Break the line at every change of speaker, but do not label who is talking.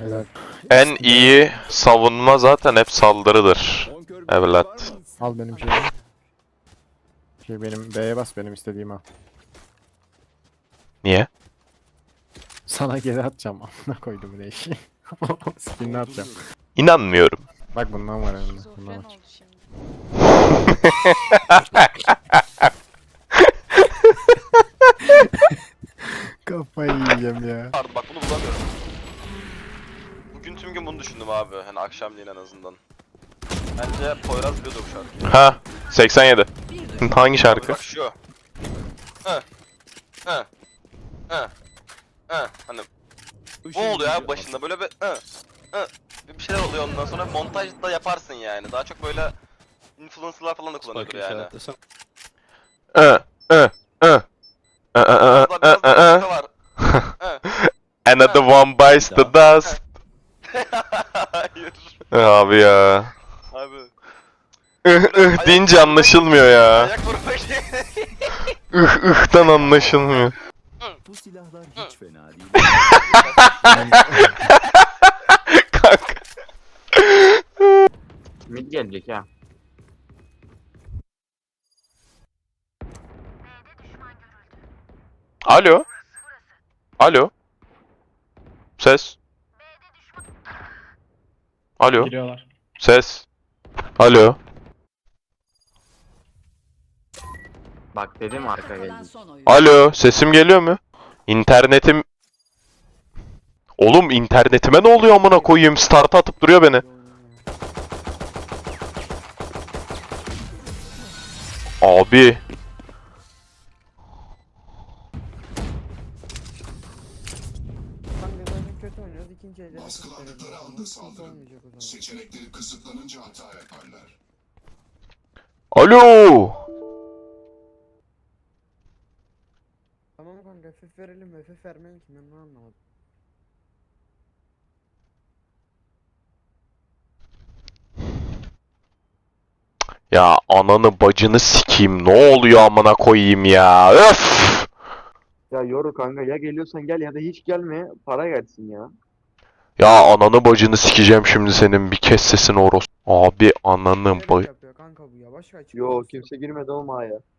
Helal.
En iyi savunma zaten hep saldırıdır. Evlat.
Al benim şeyimi. Benim B'ye bas, benim istediğim al.
Niye?
Sana geri atacağım. Amına koydum ne işi. Skinini atacağım.
İnanmıyorum.
Bak bundan var önünde. Bundan
Şizofren
var.
oldu şimdi.
Kafayı yiyeceğim ya.
Pardon bak bunu bulamıyorum. Bugün tüm gün bunu düşündüm abi. Hani akşamleyin en azından. Bence Poyraz biliyordu bu şarkıyı.
Ha, 87. Hangi şarkı?
Bak şu. Hı. Hı. Hı. Hı. Hani bu oluyor abi başında böyle bir bir şeyler oluyor ondan sonra montajda yaparsın yani. Daha çok böyle influencer'lar falan da kullanıyordur yani.
I, ı, ı.
Burada biraz da var. Hı.
Another one bites the dust.
Hayır.
Abi ya.
Abi.
Deyince anlaşılmıyor ya.
Ayak vurmak.
Ih'tan anlaşılmıyor.
Bu silahlar hiç fena değil.
Kanka.
Mid gelecek ha.
Alo. Alo. Ses. Alo.
Giriyorlar.
Ses. Alo.
Bak dedim arka
Kalan
gelecek.
son oyun.
Alo. Sesim geliyor mu? İnternetim... Oğlum internetime ne oluyor amına koyayım? Start'a atıp duruyor beni. Abi.
Kanka zaten kötü oynuyoruz. İkinci elde nasıl
Baskıladıkları anda saldırın.
olmayacak o zaman.
Seçenekleri kısıtlanınca hata yaparlar.
Alo.
Tamam kanka FF verelim mi? FF vermeyin ki ben bunu anlamadım.
Ya ananı bacını sikeyim. Ne oluyor amına koyayım ya? Öf.
Ya yoru kanka ya geliyorsan gel ya da hiç gelme para gelsin ya.
Ya ananı bacını sikeceğim şimdi senin. Bir kes sesini oros. Abi ananı
Bilerek yapıyor kanka bu ya. Başka açıklaması
Yo
yok.
kimse girmedi o mağaya.